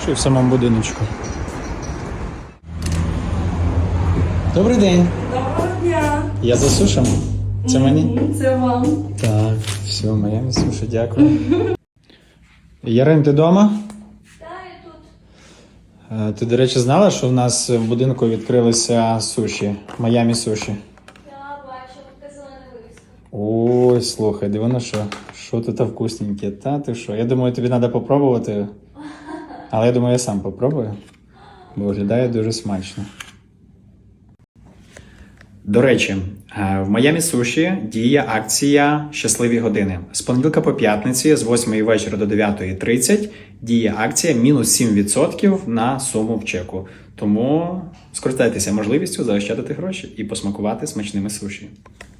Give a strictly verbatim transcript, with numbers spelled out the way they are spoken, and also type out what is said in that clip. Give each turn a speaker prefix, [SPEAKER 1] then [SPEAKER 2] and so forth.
[SPEAKER 1] Чи в самому будиночку. Добрий день.
[SPEAKER 2] Доброго дня.
[SPEAKER 1] Я за сушем. Це мені?
[SPEAKER 2] Це вам.
[SPEAKER 1] Так, все, моя суші, дякую. Ярин, ти вдома?
[SPEAKER 2] Так, я тут.
[SPEAKER 1] Ти, до речі, знала, що в нас в будинку відкрилися суші, Майамі суші?
[SPEAKER 2] Я бачу, показала на вивіску.
[SPEAKER 1] Ой, слухай, диви на що? Що тут вкусненьке? Та ти що? Я думаю, тобі треба попробувати. Але я думаю, я сам попробую. Бо виглядає дуже смачно. До речі, в Майамі Суші діє акція «Щасливі години». З понеділка по п'ятниці з восьмої вечора до дев'ятої тридцять діє акція мінус сім відсотків на суму в чеку. Тому скористайтеся можливістю заощадити гроші і посмакувати смачними суші.